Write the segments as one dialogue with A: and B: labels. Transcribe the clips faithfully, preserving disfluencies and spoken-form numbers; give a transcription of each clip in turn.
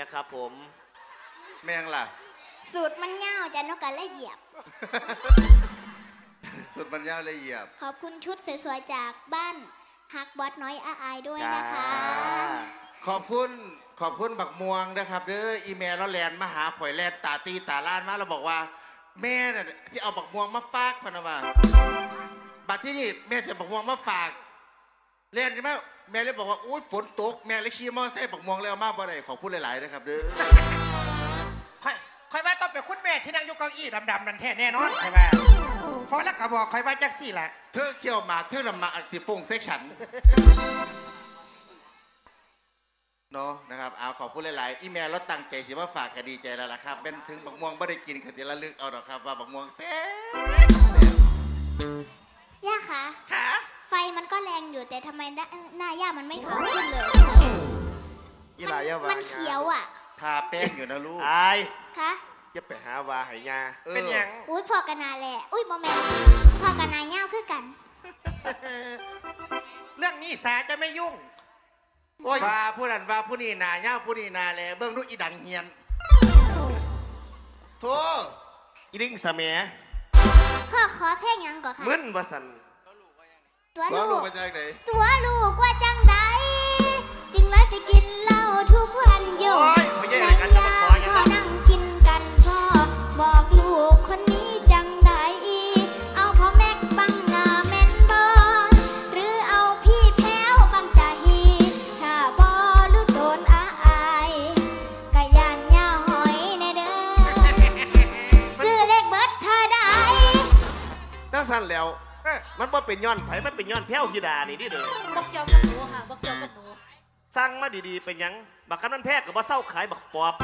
A: นะครับผม
B: แมงล่ะ
C: สูตรมันเงาจะนกกระละเหยียบ
B: สูตรมันยาวละเอียด
C: ขอบคุณชุดสวยๆจากบ้านฮักบอสน้อยอาอายด้วยนะคะ
B: ขอบคุณขอบคุณบักม่วงนะครับเด้ออีเมลแล้วแลนมาหาข่อยแลนตาตีตาล้านมาเราบอกว่าแม่น่ะที่เอาบักม่วงมาฝากพนะว่าบัดที่นี่แม่เสียบักม่วงมาฝากแลนใช่ไหมแม่เลยบอกว่าอุ้ยฝนตกแม่เลยขี่มอเตอร์ไซค์บักม่วงเลยเอามาบ่ได้ขอพูดหลายๆนะครับเด้อ
D: ค่อยค่อยว่าต้องเป็นคุณแม่ที่นั่งอยู่เก้าอี้ดำๆนั่นแท้แน่นอนค่อยว่าเพราะแล้วก็บอกค่อยว่าจักสี่แหละ
B: เธอเที่ยวหมากเธอนำมาอัดสิฟงเซ็กชันเนาะนะครับเอาขอบคุณหลายๆอีเมลแล้วตั้งใจสิว่าฝากก็ดีใจแล้วล่ะครับเป็นถึงบักม่วงไม่ได้กินก็จะระลึกเอาดอกครับว่าบักม่วงแซ่
C: บย่าคะ
B: ค่ะ
C: ไฟมันก็แรงอยู่แต่ทำไมหน้าย่ามันไม่ขาวขึ้นเลยมันเขียวอ่ะ
B: ทาแป้งอยู่นะลูก
A: ไอ้
C: คะ
A: จะไปหาวาหายา
D: เป็นยัง
C: อุ้ยพอกันนาแหละอุ้ยโมเมนต์พอกันนาเง่าคือกัน
D: เรื่องนี้สาจะไม่ยุ่ง
B: ว่าผู้นั้นว่าผู้นี้นาเง่าผู้นี้นาแลเบื้องดูอีดังเฮียนโธ่
A: อีลิงสะเมีย
C: พ่อขอเพลงยังก่อนค่ะ
A: มึนวสัน
C: ตัวลูก
B: ว่าจังไหน
C: ตัวลูกว่าจังใดจึงเลยไปกินเหล้าทุกวันอยู่ในยามพ่อนั่งกินกันพ่อบอกลูกคนนี้จังใดเอาพ่อแม็กบังหน้าแม่นบอหรือเอาพี่แพ้วบังใจถ้าบอลูกโดนอาอายกะยานยาหอยในเด้อซื้อเลขเบิดเธอได้
A: ตั้งสั้นแล้วมันว่าเป็นย้อนไผมันเป็นย้อนแพ้วธิดานี่ดิเด้อ
E: บอกเกี่ยวกับหนูค่ะบอกเกี่ยวกับหนู
A: สั่งมาดีๆเป็นยังบักกันนั่นแพ้กับว่าเศร้าขายบักปอบ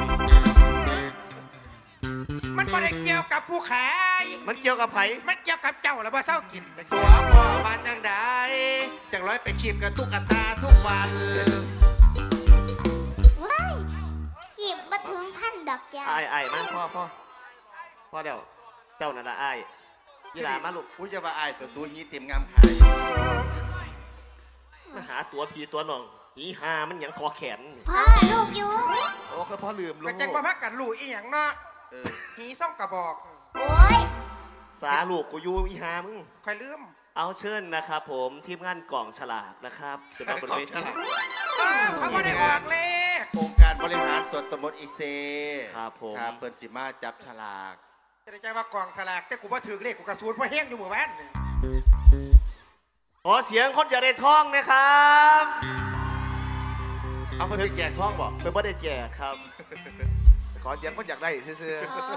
D: มันไม่ได้เกี่ยวกับผู้ขาย
A: มันเกี่ยวกับไผ
D: มันเกี่ยวกับเจ้าแล้วว่าเศร้ากิน
B: ตัวพ่อมาจังได้จังร้อยไปขีบกับตุ๊กตาทุกวัน
C: ว้ายขีบมาถึงพันดอกยา
A: ไอ้ไอ้มาพ่อพ่อพ่อเดี๋ยวเจ้านั่นละไอ้ยีรามาลูก
B: อุ้ยจะมาอายตัวซูนี้เต็มงามขาย
A: มาหาตัวผีตัวน้องหีหามันยังคอแขน
C: พ่อลูกอยู่
A: โอ้คือพ่อลืมลูก
D: กระจังมาพักกันลูกอีหยังเนาะหีซ่องกระบอก
C: โอ้ย
A: สาลูกกูอยู่อีหามึง
D: ใครลืม
A: เอาเชิญนะครับผมทีมงานกล่องฉลากนะครับจะมาบนเวที
D: เขาไม่ได้ออกเลย
B: โครงการบริหารส่วนตำบลอิเซ
A: ครับผม
B: ครับเปิดสิมาจับฉลาก
D: จะได้ใจว่ากล่องฉลากแต่กูว่าถือเลขกูกระสุนเพราะแห้งอยู่หมู่บ้าน
A: ขอเสียงคนอยากได้ทองนะครับ
B: เอาไปแจกทองบอก
A: เป็นบ่ได้แจกครับขอเสียงคนอยากได้ซื่อ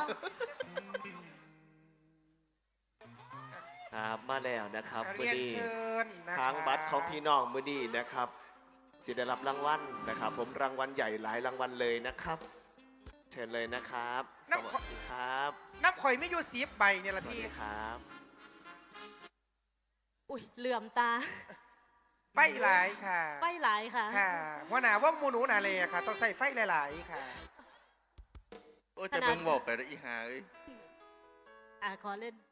A: ๆครับมาแล้วนะครับมือดีทางบัตรของพี่น้องมือดีนะครับสิได้รับรางวัลนะครับผมรางวัลใหญ่หลายรางวัลเลยนะครับเชิญเลยนะครับสวัสดีครับ
D: น้ำข่อยไม่อยู่สีใบเนี่ยละพี่
A: ครับ
E: อุ้ยเหลื่อมตา
D: ไฟหลายค่ะ
E: ไฟหลายค่ะ
D: ค่ะหัวหน้าว่ามูนูนาเลยค่ะต้องใส่ไฟหลายๆค่ะ
B: โอ้จะเบิ่งบอกไปแล้วอีหาเอ้ย
E: อ่ะขอเล่น